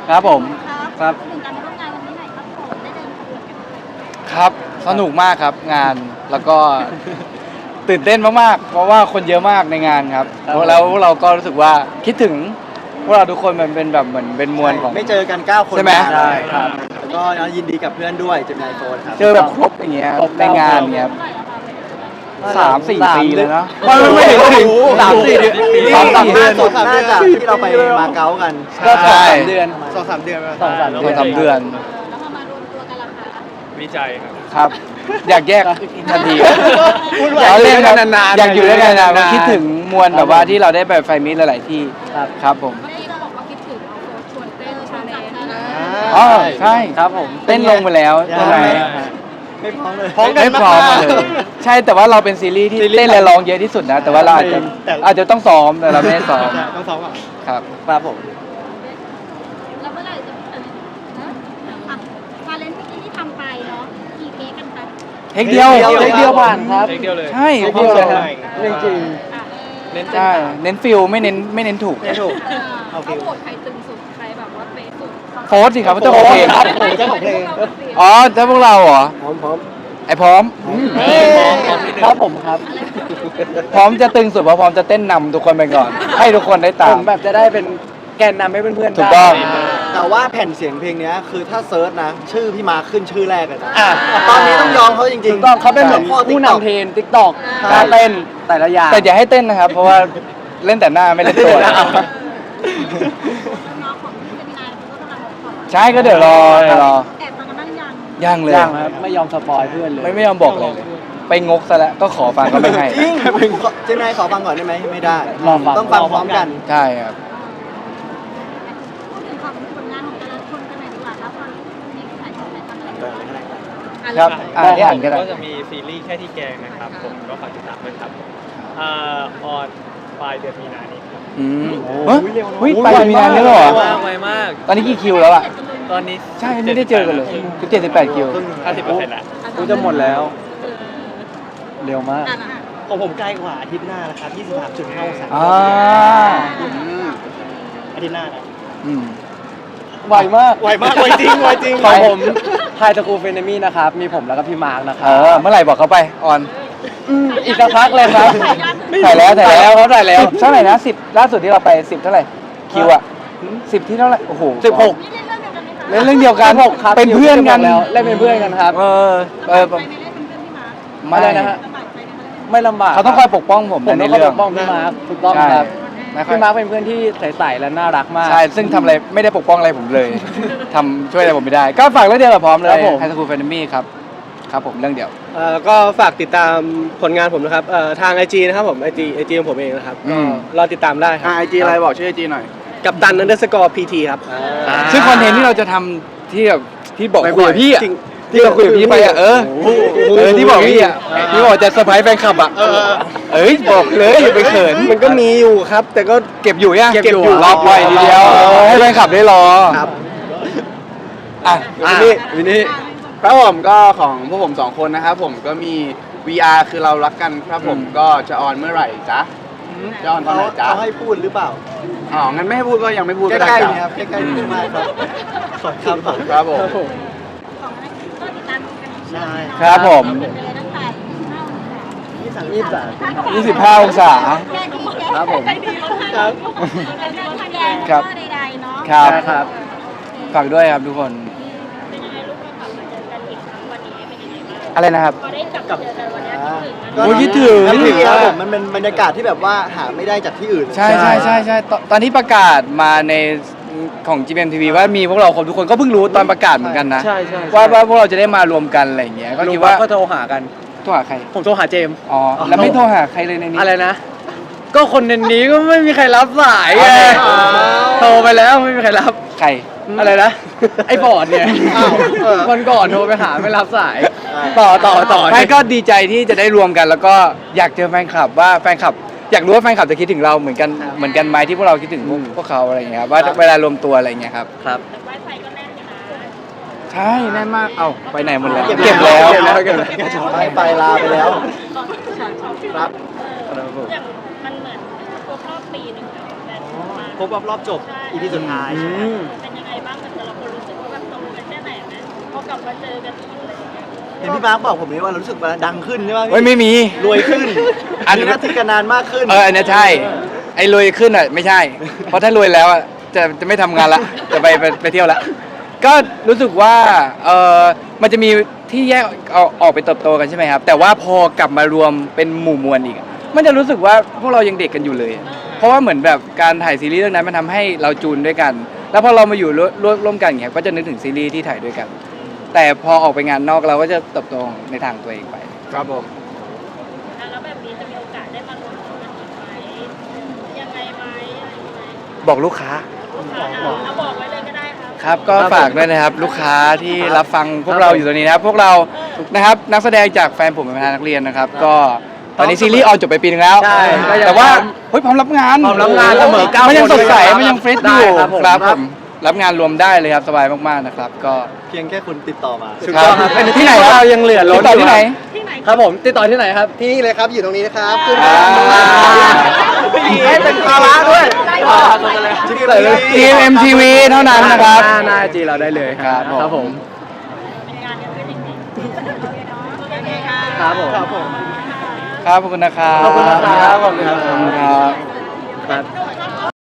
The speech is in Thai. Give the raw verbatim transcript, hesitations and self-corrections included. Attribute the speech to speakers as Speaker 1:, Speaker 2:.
Speaker 1: ครับผมครับ
Speaker 2: ถึงการมาร่วมงานวันนี้หน่อยครับผมได้เดินขบวนกัน
Speaker 1: ครับสนุกมากครับงานแล้วก็ ตื่นเต้นมากๆเพราะว่าคนเยอะมากในงานครับแล้วเราก็รู้สึกว่าคิดถึงพวกเราทุกคนมันเป็นแบบเหมือนเป็นมวลของ
Speaker 3: ไม่เจอกันเก้าคน
Speaker 1: ใช่ไหม
Speaker 3: นาน
Speaker 1: ใช่ครับ
Speaker 3: แล้วก็ยินดีกับเพื่อนด้วยเจมินายโฟนครับ
Speaker 1: เจอแบบครบอย่างเงี้ยในงานเงี้ย
Speaker 2: เท่าไหร่แล้วคะ
Speaker 1: สามสี่ปีเลยนะ
Speaker 3: ไม่ไม่ถึงถึง
Speaker 1: สามสี่เดือนสามสามเดือน
Speaker 3: สองสามเดือนที่เราไปมาเก๊ากัน
Speaker 1: ก็สอง
Speaker 3: ใช่
Speaker 1: สามเดือน
Speaker 3: สองสามเดือน
Speaker 1: สองสามเดือนสามเดือน
Speaker 2: เออแล้วพอมารวมตัวกันล่ะคะ
Speaker 4: วิจัยครับ
Speaker 1: ครับ อยากแยกทันที
Speaker 3: พูดไว้
Speaker 1: อยากเล่น
Speaker 3: อยู่ด้วยกันนานๆ
Speaker 1: อยากอยู่ด้วยกันนาน
Speaker 3: นานๆ
Speaker 1: ๆคิดถึงมวลแบบว่าที่เราได้ไปไฟมิตหลายๆที่ครับผม
Speaker 2: เมื่อกี้เราบอกว่าคิดถึงเอาโค้ชชวนเต้นชาเลนจ์
Speaker 1: อ๋อใช่ครับผมเต้นลงไปแล้วใช่ไหม
Speaker 3: ไม่พร้อมเลย
Speaker 1: ไม่พร้อมเลยใช่แต่ว่าเราเป็นซีรีส์ที่เต้นและร้องเยอะที่สุดนะ แต่ว่าเราอาจจะ
Speaker 3: แต่
Speaker 1: อาจจะต้องซ้อมแต่เราไม่ได้ซ้อม
Speaker 3: ต้องซ้อมก่อน
Speaker 1: ครับ
Speaker 3: ครับผม
Speaker 2: แล้วเมื่อไหร่จะเออนะอ่ะชาเลนจ์เมื่อกี้ที่ทำไปเนาะกี่เทคกันคะ
Speaker 1: เทคเดียว
Speaker 3: เทคเดียวผ่านครับ
Speaker 4: เทคเดียวเลย
Speaker 1: ใช่
Speaker 3: เทคเดียวเลยครับ
Speaker 1: เรื่องจริง
Speaker 2: อ่ะ
Speaker 4: เน้น
Speaker 1: ใช่เน้นฟิลไม่เน้นไม่เน้นถูก
Speaker 3: ไม่ถูก
Speaker 2: เออ
Speaker 3: เอา
Speaker 2: เขา
Speaker 3: ฟิล
Speaker 2: โหวตใครตึงสุดใครแบบว่าเป๊ะสุด
Speaker 1: โฟร์สิครับเจ้าของเพลง
Speaker 3: ครับผมเจ้าของเพลง
Speaker 1: อ๋อถ้าพวกเราเหรอ
Speaker 3: พร้อมพร้อม
Speaker 1: ไอพร้อม
Speaker 4: เออพร้อมพร้อมนิดนึง
Speaker 1: ครับผมครับ พร้อมจะตึงสุดเพราะพร้อมจะเต้นนำทุกคนไปก่อน ให้ทุกคนได้ตาม
Speaker 5: ผมแบบจะได้เป็นแกนนำให้เพื่อนๆ
Speaker 1: ถูกต้อง
Speaker 5: ได้
Speaker 3: แต่ว่าแผ่นเสียงเพลงเนี้ยคือถ้าเซิร์ชนะ ชื่อพี่มาขึ้นชื่อแรกเลยนะ
Speaker 5: อ่ะ
Speaker 3: ตอนนี้ต้องยอมเขาจริงๆ
Speaker 5: ถูกต้องเขาเป็นเหมือน
Speaker 3: พ่อ
Speaker 5: ผู้
Speaker 3: TikTok
Speaker 5: นำเทรนติ๊กตอก
Speaker 3: ใช่
Speaker 5: การเต้นแต่ละอย่าง
Speaker 1: แต่อย่าให้เต้นนะครับ เพราะว่าเล่นแต่หน้าไม่เล่นตัว
Speaker 2: น้องของพี่เจมินายเขาก็กำลังบอก
Speaker 1: ใช่ก็เดี๋ยวรอเดี๋ยวรอ
Speaker 2: แอบฟังกันบ้างยัง
Speaker 1: ยังเลย
Speaker 5: ย่างครับไม่ยอมสปอยเพื่อนเลย
Speaker 1: ไม่ไม่ยอมบอกเลย ไปงกซะแล้วก็ขอฟังก็ไม่ให้
Speaker 3: จริงเจมินายขอฟังก่อนได้ไหมไม่ได้
Speaker 5: รอฟัง
Speaker 3: ต้องฟังพร้อมกัน
Speaker 1: ใช่ครับ
Speaker 2: พูดถึงความผลงานของแต่ละคนกันหน่อยดีกว่าครับตอนนี้มีถ่ายทอดถ่ายทำอะไรบ้างอ่ะ
Speaker 1: ครับอ่านที่อ่านก็ได้
Speaker 4: ก็จะมีซีรีส์แค่ที่แกงนะครับ ผมก็ฝากติดตามด้วยครับอ่าออนปลายเดือนมีนานี้ครับ
Speaker 1: อืมเฮ้ยเฮ้ยไปมีนานนี้แล้วเหรอ
Speaker 4: มากไวมาก
Speaker 1: ตอนนี้กี่คิวแล้วอ่ะ
Speaker 4: ตอนนี้
Speaker 1: ใช่ไม่ได้เจอกันเลยคือเจ็ดสิบแปดคิว
Speaker 4: ห้าสิบเปอร์เซ็นต์แล้ว
Speaker 5: กูจะหมดแล้ว เร็วมาก
Speaker 2: อ่ะอ่ะ
Speaker 3: ของผมใกล้กว่าอาทิตย์หน้านะครับ ยี่สิบสามจุดห้าองศา
Speaker 1: อ่า
Speaker 3: อาทิตย์หน้านะ
Speaker 1: อืม
Speaker 5: ไวมาก
Speaker 3: ไวมากไวจริงไวจริง
Speaker 5: ของผมไฮสคูลเฟนมี่นะครับ มีผมแล้วก็พี่มาร์กนะค
Speaker 1: เอ
Speaker 5: รับ
Speaker 1: อเมื่อไหร่บอกเขาไปออน
Speaker 5: มอีกสักพักเลยครับ
Speaker 1: ถ่ายแล้วถ่ายแล้ว
Speaker 5: เขาถ่ายแล้ว
Speaker 1: สิบเท่าไหร่นะสิบล่าสุดที่เราไปสิบเท่าไหร่คิวอ่ะสิบที่เท่าไหร่โอ้โห
Speaker 5: สิบหก
Speaker 2: นี่เล่นเรื่องเดียวกันไหมคะ
Speaker 1: เล่นเรื่องเดียวกัน
Speaker 5: หกครับ
Speaker 1: เป็นเพื่อนกัน
Speaker 5: แล้วเล่นเป็นเพื่อนกันครับ
Speaker 1: เออเออ
Speaker 2: ไปไม่ได้เป็นเพื่อนพี่มาร์ค
Speaker 1: ไม่
Speaker 5: อะไรนะฮะ
Speaker 2: ลำบากใจในเรื่อง
Speaker 5: ไม่ลำบาก
Speaker 1: เขาต้องคอยปกป้องผม
Speaker 5: ผม
Speaker 1: ใน
Speaker 5: ต้องคอย
Speaker 1: เรื่
Speaker 5: ป
Speaker 1: อง
Speaker 5: กป้องพี่มาร์กถูกต้อง
Speaker 1: ใช่
Speaker 5: ครับ
Speaker 1: ไม่ค่อย
Speaker 5: พี่มาร์กเป็นเพื่อนที่ใสๆและน่ารักมาก
Speaker 1: ใช่ซึ่งทำอะไรไม่ได้ปกป้องอะไรผมเลย ทำช่วยอะไรผมไม่ได้ ก็ฝากเรื่องเดียวกับพร้อมเล
Speaker 5: ครั
Speaker 1: ย
Speaker 5: บผม
Speaker 1: ไฮสคูลแฟนมี่ครับครับผมเรื่องเดียว
Speaker 6: เอ่อก็ฝากติดตามผลงานผมนะครับเอ่อทาง ไอ จี นะครับผม ไอ จี ไอ จี ของผมเองนะครับ
Speaker 1: อื
Speaker 6: ก็
Speaker 1: ม
Speaker 6: รอติดตามได้ครับ
Speaker 3: ไอจีอะไรบอกชื่อไอจีหน่อย
Speaker 6: กับตันนันเดอร์สกอร์พีทีครับ
Speaker 1: ซึ่งคอนเทนต์ที่เราจะทำที่แบบที่บอกคุยกับพี่อ่ะ
Speaker 6: จริง
Speaker 1: ที่เราคุยกับพี่ไปอ่ะเออเออที่บอกพี่อ่ะที่บอกจะเซอร์ไพรส์แฟนคลับอ่ะเอ้ยบอกเลยอย่าไปเขิน
Speaker 6: มันก็มีอยู่ครับ แต่ก็
Speaker 1: เก็บอยู่ยัง
Speaker 6: เก็บอยู่
Speaker 1: รอปล่อยทีเดียวให้แฟนคลับได้รอ
Speaker 6: ครับ
Speaker 1: อ่ะ
Speaker 6: วินนี่วินนี่
Speaker 7: ครับผมก็ของพวกผมสองคนนะครับผมก็มี วี อาร์ คือเรารักกันครับผมก็จะออนเมื่อไหร่จ๊ะจะออนตอน
Speaker 3: เขา
Speaker 7: ไหนจ๊ะ
Speaker 3: เขาให้พูดหรือเปล่า
Speaker 7: อ๋องั้นไม่ให้พูดก็ยังไม่พูด
Speaker 3: ใก
Speaker 7: ก็ได้
Speaker 3: ล้ๆ
Speaker 7: จ้ะ
Speaker 3: นี่ครับใกล้ๆนี่มากครับขอบคุณครับ
Speaker 7: ครับผม
Speaker 2: ของนั้นก็ติดตามกัน
Speaker 3: ใช่
Speaker 1: ครับผม
Speaker 2: เป็นไปเลยตั้งแต่ยี่สิบห้า
Speaker 3: ยี่สิบสาม
Speaker 1: ยี่สิบห้าองศา
Speaker 2: แค่นี้แค่
Speaker 1: ครับผม
Speaker 2: แค่นี้ครับเป็นการทำแยง
Speaker 1: ครั
Speaker 2: แล้ว
Speaker 1: บ
Speaker 2: ก็ใดๆเนาะ
Speaker 1: ครับ
Speaker 5: ครับ
Speaker 1: ฝากด้วยครับทุกคน
Speaker 2: เป็นยังไงลูกเรากลับมาเจอกันอีกครั้งวันนี้เป็นยังไงบ้าง
Speaker 1: อะไรนะครับ
Speaker 2: พอได้กลับมาเจอกันวันนี้
Speaker 3: อ่า
Speaker 1: โอ้ยคิดถึง
Speaker 3: แล้ว
Speaker 1: คิดถึง
Speaker 3: นี่ครับ
Speaker 1: มาก
Speaker 3: ผมมันเป็นบรรยากาศที่แบบว่าหาไม่ได้จากที่อื่น
Speaker 1: ใช่ใช่ใช่ใช่ตอนตอนที่ประกาศมาในของ จี เอ็ม ที วี ว่ามีพวกเราครบทุกคนก็เพิ่งรู้ตอนประกาศเหมือนกันนะ
Speaker 5: ใช่ใช่
Speaker 1: ว่าว่าพวกเราจะได้มารวมกันอะไรอย่างเงี้ยก็
Speaker 5: ก็
Speaker 1: คิ
Speaker 5: คิ
Speaker 1: ด
Speaker 5: ด
Speaker 1: ว่า
Speaker 5: ว่าก็โทรหากัน
Speaker 1: โทรหาใคร
Speaker 5: ผมโทรหาเจมส์
Speaker 1: อ๋อแล้วไม่โทรหาใครเลยในนี้
Speaker 5: อะไรนะ ก็คนในนี้ก็ไม่มีใครรับสายไง
Speaker 3: อ้าว
Speaker 5: โทรไปแล้วไม่มีใครรับ
Speaker 1: ใคร
Speaker 5: อะไรนะ ไอ้บอร์ดเนี่ย
Speaker 3: อ้าวเออ
Speaker 5: วันก่อนโทรไปหาไม่รับสาย
Speaker 3: อ่า
Speaker 5: ต่อต่อต่อ
Speaker 1: ไม่ก็ดีใจที่จะได้รวมกัน แล้วก็อยากเจอแฟนคลับว่าแฟนคลับ อยากรู้ว่าแฟนคลับจะคิดถึงเราเหมือนกันเหมือนกันไหมที่พวกเราคิดถึงพวกพวกเขาอะไรอย่างเงี้ยครับว่าเวลารวมตัวอะไรอย่างเงี้ยครับ
Speaker 5: ครับ
Speaker 2: ไวไฟก็แน่นอยู่นะ
Speaker 1: ใช่แน่นมากเอ้าไปไหนหมดแล้ว
Speaker 3: เก็บ
Speaker 1: เก็บแล้ว
Speaker 3: เก็บแล้วเก็บแล้วให้ไปลาไปแล้ว ครับ
Speaker 2: อย่างมันเหมือนครบรอบปีหนึ่งแล้วแต่มา
Speaker 3: ครบรอบรอบจบ อีพีสุดท้าย
Speaker 5: อืม
Speaker 2: เป็นยังไงบ้างกลับมาเจอกันอีกอะไรอย่างเงี้ย
Speaker 3: เห็นพี่มาร์คบอกผมนี่ว่ารู้สึกว่าดังขึ้นใช่ไหม
Speaker 1: เฮ้ยไม่มี
Speaker 3: รวยขึ้น
Speaker 1: อัน
Speaker 3: มีหน้าที่การงานมากขึ้น
Speaker 1: เอออันเนี้ยใช่ ไอ้รวยขึ้นอ่ะไม่ใช่ เพราะถ้ารวยแล้วอ่ะจะจะไม่ทำงานละ จะไปไปไปเที่ยวละ ก็รู้สึกว่าเออมันจะมีที่แยกเอาออกไปเติบโตกันใช่ไหมครับ แต่ว่าพอกลับมารวมเป็นหมู่มวลอีกอะมันจะรู้สึกว่าพวกเรายังเด็กกันอยู่เลย เพราะว่าเหมือนแบบการถ่ายซีรีส์เรื่องนั้นมันทำให้เราจูนด้วยกัน แล้วพอเรามาอยู่ร่วมร่วมร่วมกันอย่างเงี้ยก็จะนึกถึงซีรีส์ที่ถ่ายด้วยกัน แต่พอออกไปงานนอกเราก็จะเติบโตในทางตัวเองไป
Speaker 7: ครับผม
Speaker 2: อ่ะแล้วแบบนี้จะมีโอกาสได้มารวมตัวกันอีกไหมยังไงไหมอะไรอย่างเงี้ย
Speaker 1: บอกลูกค้า
Speaker 2: ลูกค้าเอาบอกไว้เลยก็ได้ครับ
Speaker 1: ครับก็ฝากด้วยนะครับลูกค้าที่รับฟังพวกเราอยู่ตรงนี้นะครับ พวกเรานะครับนักแสดงจากแฟนผมเป็นประธานนักเรียนนะครับ ก็ตอนนี้ซีรีส์ออนจบไปปีนึงแล้ว
Speaker 3: ใช่
Speaker 1: แต่ว่าเฮ้ยพร้อมรับงาน
Speaker 3: พร้อมรับงานเสมอเก้า
Speaker 1: มันยัง
Speaker 3: คน
Speaker 1: สดใส
Speaker 3: เลยครับ
Speaker 1: มันยังเฟรชอ
Speaker 3: ได้
Speaker 1: ยู่
Speaker 3: ครับผม
Speaker 1: ครับผมรับงานรวมได้เลยครับสบายมากๆนะครับ ก็
Speaker 3: เพียงแค่คุณติดต่อมา
Speaker 6: ถูกต้องครับ
Speaker 1: เป็นที่ไหนครับ
Speaker 6: เรายังเหลือล้น
Speaker 1: ติดต่อที่ไหน
Speaker 2: ที่ไหน
Speaker 6: ครับผมติดต่อที่ไหนครับที่นี่เลยครับอยู่ตรงนี้นะครับขึ้น
Speaker 1: อ่า
Speaker 3: ให้เป็นภาระด้วย
Speaker 6: ที่นี่เลย
Speaker 1: ทีเอ็มทีวีเท่านั้นนะครับ
Speaker 6: หน้าหน้าจีเราได้เลย
Speaker 1: ครับผม
Speaker 6: ครับผม
Speaker 2: เป็นงานกันด้วยจริงๆโอเคค่ะ
Speaker 6: ครับผม
Speaker 3: ครับผม
Speaker 1: ครับขอบคุณนะครับ
Speaker 3: ขอบคุณนะครับ
Speaker 1: ขอบคุณครับ
Speaker 6: ครับ